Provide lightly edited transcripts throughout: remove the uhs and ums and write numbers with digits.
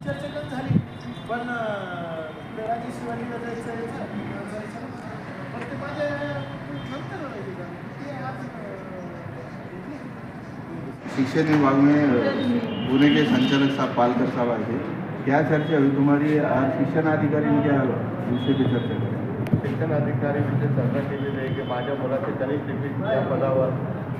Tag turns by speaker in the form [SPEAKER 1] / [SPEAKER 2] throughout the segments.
[SPEAKER 1] चर्चा पण झाली, पण राजे शिवाजीला जायचं पण ते माझ्या नंतर राहिली का ते आज
[SPEAKER 2] शिक्षण विभाग में पुणे के संचालक साहब पालकर साहब आए थे। क्या चर्चा हुई तुम्हारी? आज शिक्षण अधिकारी ने क्या विषय पे चर्चा करें?
[SPEAKER 3] शिक्षण अधिकारी विषय चर्चा केलेली आहे की माझ्या मुलाचे गणित लिपिक या पदावर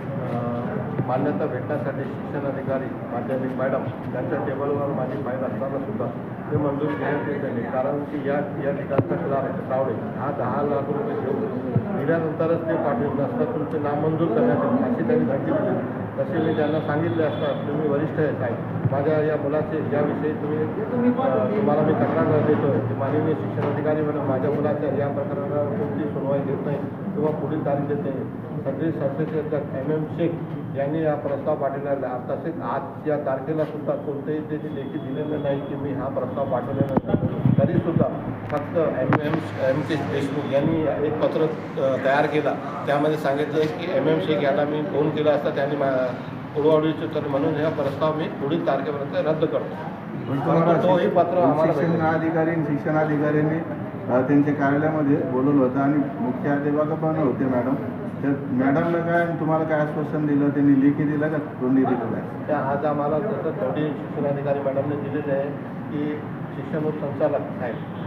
[SPEAKER 3] मान्यता भेटण्यासाठी शिक्षण अधिकारी माध्यमिक मॅडम त्यांच्या टेबलवर माझी फाईल असताना सुद्धा ते मंजूर घेण्यात येत नाही, कारण की या ठिकाणचा क्लार्क तावडे हा 10 लाख रुपये घेऊन दिल्यानंतरच ते पाठवून असता तुमचे नाम मंजूर करण्यात येईल अशी त्यांनी धमकी दिली। तसे मी त्यांना सांगितले असता तुम्ही वरिष्ठ आहे साहेब, माझ्या या मुलाचे याविषयी तुम्हाला मी तक्रार देतो आहे की माननीय शिक्षण अधिकारी म्हणून माझ्या मुलाच्या या प्रकरणावर कोणतीही सुनवाई देत नाही किंवा पुढील तारीख देत नाही। सगळे संस्थेचे अध्यक्ष MM शेख यांनी हा प्रस्ताव पाठवलेला आहे। तसेच आज या तारखेला सुद्धा कोणतेही त्याची लेखी दिलेलं नाही की मी हा प्रस्ताव पाठवलेला नाही, तरीसुद्धा फक्त MM देशमुख यांनी एक पत्र तयार केला, त्यामध्ये सांगितलं की MM शेख यांना मी फोन केला असता त्यांनी उडवाउडीचे तर म्हणून हा प्रस्ताव मी पुढील तारखेपर्यंत रद्द करतो। तोही पत्र आम्हाला
[SPEAKER 2] शिक्षणाधिकाऱ्यांनी त्यांच्या कार्यालयामध्ये बोलवलं होतं आणि मुख्याध्यापक पण होते मॅडम, तर मॅडमला काय तुम्हाला काय आश्वासन दिलं? त्यांनी लेखी दिलं का तोंडी दिलेलं आहे?
[SPEAKER 3] त्या आज आम्हाला जसं तोंडी शिक्षणाधिकारी मॅडमने दिलेलं आहे की शिक्षण संचालक साहेब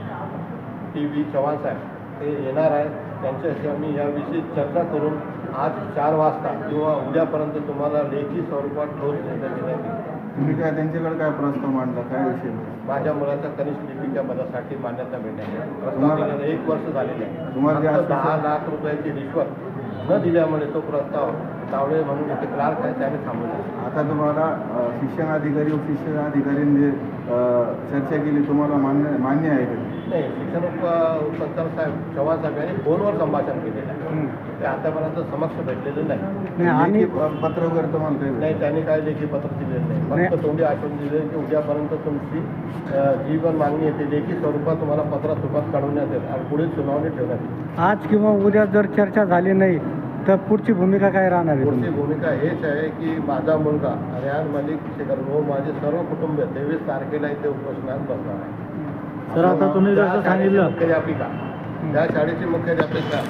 [SPEAKER 3] TV चव्हाण साहेब ते येणार आहे, त्यांच्याशी आम्ही याविषयी चर्चा करून आज 4 वाजता किंवा उद्यापर्यंत तुम्हाला लेखी स्वरूपात ठोस निर्णय देण्यात येईल।
[SPEAKER 2] तुम्ही काय त्यांच्याकडे काय प्रस्ताव मांडला, काय विषय?
[SPEAKER 3] माझ्या मुलाच्या कनिष्ठ लिपिका पदासाठी मान्यता मिळण्याची प्रस्ताव 1 वर्ष झालेले आहे।
[SPEAKER 2] तुम्हाला
[SPEAKER 3] 10 लाख रुपयाची रिश्वत न दिल्यामुळे तो प्रस्ताव तावडे म्हणून एक क्लार्क आहे त्याने थांबवला।
[SPEAKER 2] आता तुम्हाला शिक्षणाधिकारी उपशिक्षणाधिकाऱ्यांनी चर्चा केली, तुम्हाला मान्य आहे का?
[SPEAKER 3] नाही, शिक्षण उपसंचालक साहेब चव्हाण साहेब यांनी फोनवर संभाषण केलेलं आहे, ते आतापर्यंत समक्ष भेटलेलं नाही।
[SPEAKER 2] आणि पत्र वगैरे तुम्हाला काही
[SPEAKER 3] नाही, त्यांनी काही लेखी पत्र दिलेलं नाही, फक्त तोंडी आश्वासन दिले की उद्यापर्यंत तुमची जी पण मागणी आहे ती लेखी स्वरूपात तुम्हाला पत्रास्वरूपात काढवण्यात येईल आणि पुढील सुनावणी ठेवण्यात येईल।
[SPEAKER 4] आज किंवा उद्या जर चर्चा झाली नाही तर पुढची भूमिका काय राहणार आहे?
[SPEAKER 3] पुढची भूमिका हेच आहे की माझा मुलगा रेहान मलिक शेखर व माझे सर्व कुटुंब 23 तारखेला इथे उपोषणात बसणार आहे।
[SPEAKER 4] सर, आता तुम्ही जसं सांगितलं
[SPEAKER 3] मुख्याध्यापिका त्या शाळेची मुख्याध्यापिका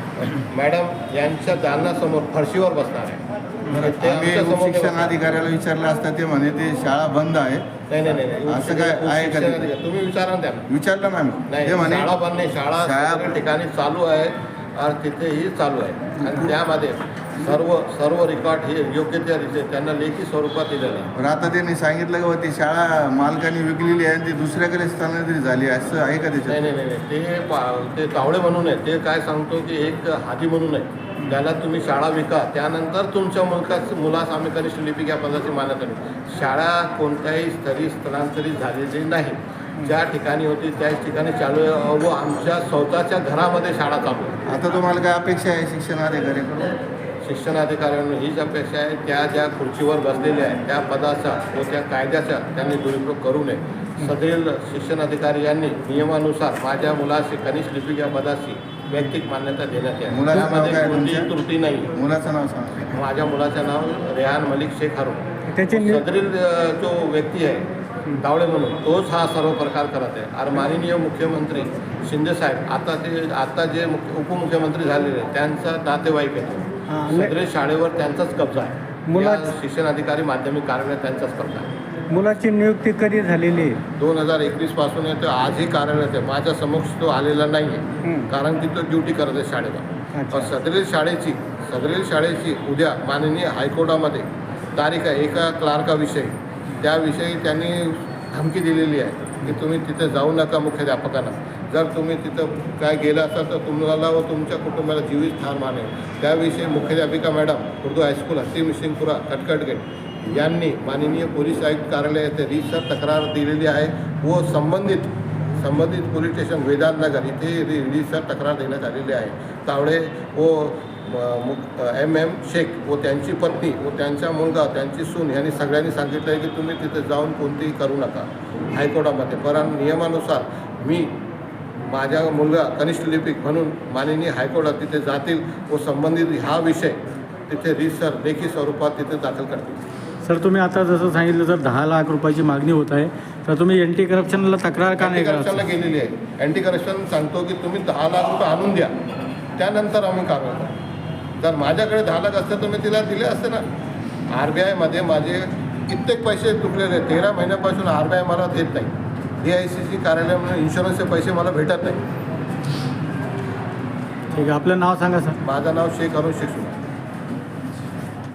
[SPEAKER 3] मॅडम यांच्या दालनासमोर फरशीवर बसणार आहे।
[SPEAKER 2] शिक्षणाधिकाऱ्याला विचारलं असता ते म्हणे ते शाळा बंद आहे।
[SPEAKER 3] नाही,
[SPEAKER 2] असं काय आहे का?
[SPEAKER 3] तुम्ही विचारा ना त्यांना।
[SPEAKER 2] विचारलं ना
[SPEAKER 3] नाही, शाळा बंद नाही, शाळा ठिकाणी चालू आहे आणि तिथेही चालू आहे आणि त्यामध्ये सर्व रेकॉर्ड हे योग्य त्या रीते त्यांना लेखी स्वरूपात दिलेलं आहे।
[SPEAKER 2] पण आता त्यांनी सांगितलं का ती शाळा मालकाने विकलेली आहे आणि ती दुसऱ्याकडे स्थानांतरित झाली, असं आहे का त्याच्यात?
[SPEAKER 3] नाही, ते तावडे म्हणून आहे, ते काय सांगतो की एक हाजी म्हणून आहे, ज्याला तुम्ही शाळा विका त्यानंतर तुमच्या मुलास आम्ही कनिष्ठ लिपिक या पदाची मान्यता देऊ। शाळा कोणत्याही स्तरी स्थलांतरित झालेली नाही, ज्या ठिकाणी होती त्याच ठिकाणी चालू आहे व आमच्या स्वतःच्या घरामध्ये शाळा चालू आहे।
[SPEAKER 2] आता तुम्हाला काय अपेक्षा आहे शिक्षणाधिकाऱ्यांकडून?
[SPEAKER 3] शिक्षणाधिकाऱ्यांना हीच अपेक्षा आहे त्या ज्या खुर्चीवर बसलेल्या आहेत त्या पदाचा व त्या कायद्याचा त्यांनी दुरुपयोग करू नये। सदैव शिक्षणाधिकारी यांनी नियमानुसार माझ्या मुलाची कनिष्ठ लिपिक या पदाची वैयक्तिक मान्यता देण्यात यावी, त्यामध्ये कोणतीही त्रुटी नाही।
[SPEAKER 2] मुलाचं नाव सांगा।
[SPEAKER 3] माझ्या मुलाचं नाव रेहान मलिक शेख हारून। सदरील जो व्यक्ती आहे तावडे म्हणून तोच हा सर्व प्रकार करत आहे आणि माननीय मुख्यमंत्री शिंदे साहेब आता जे उपमुख्यमंत्री झालेले त्यांचा नातेवाईक आहे, सदरील शाळेवर त्यांचाच कब्जा आहे। शिक्षण अधिकारी माध्यमिक कार्यालय त्यांचाच कब्जा आहे।
[SPEAKER 4] मुलाची नियुक्ती कधी झालेली आहे?
[SPEAKER 3] 2021 पासून आहे, तो आजही कार्यरत आहे। माझ्या समक्ष तो आलेला नाही आहे, कारण की तो ड्युटी करत आहे शाळेवर। सदरील शाळेची उद्या माननीय हायकोर्टामध्ये तारीख आहे एका क्लार्काविषयी, त्याविषयी त्यांनी धमकी दिलेली आहे की तुम्ही तिथे जाऊ नका मुख्याध्यापकांना, जर तुम्ही तिथं काय गेलं असाल तर तुम्हाला व तुमच्या कुटुंबाला जीवित ठार मानेल। त्याविषयी मुख्याध्यापिका मॅडम उर्दू हायस्कूल हत्ती सिंगपुरा कटकटगेट यांनी माननीय पोलीस आयुक्त कार्यालय येथे रीतसर तक्रार दिलेली आहे व संबंधित पोलीस स्टेशन वेदांतनगर इथे रीतसर तक्रार देण्यात आलेली आहे। तावडे व MM शेख व त्यांची पत्नी व त्यांचा मुलगा त्यांची सून यांनी सगळ्यांनी सांगितलं आहे की तुम्ही तिथे जाऊन कोणतीही करू नका हायकोर्टामध्ये, कारण नियमानुसार मी माझा मुलगा कनिष्ठ लिपिक म्हणून माननीय हायकोर्टात तिथे जातील व संबंधित हा विषय तिथे रीतसर लेखी स्वरूपात तिथे दाखल करतील।
[SPEAKER 4] सर तुम्ही आता जसं सांगितलं जर 10 लाख रुपयाची मागणी होत आहे तर तुम्ही एंटी करप्शनला तक्रार का नाही
[SPEAKER 3] अँटी
[SPEAKER 4] करत?
[SPEAKER 3] करप्शनला गेलेली आहे. अँटी करप्शन सांगतो की तुम्ही 10 लाख रुपये आणून द्या, त्यानंतर आम्ही कारवाई करू. जर माझ्याकडे 10 लाख असते तर मी तिला दिले असते ना. RBIमध्ये माझे कित्येक पैसे चुकलेले आहेत. 13 महिन्यापासून RBI मला देत नाही. DICC कार्यालयामध्ये इन्शुरन्सचे पैसे मला भेटत नाही.
[SPEAKER 4] ठीक आहे, आपलं नाव सांगा सर.
[SPEAKER 3] माझं नाव शेख अरुण शेख सुना.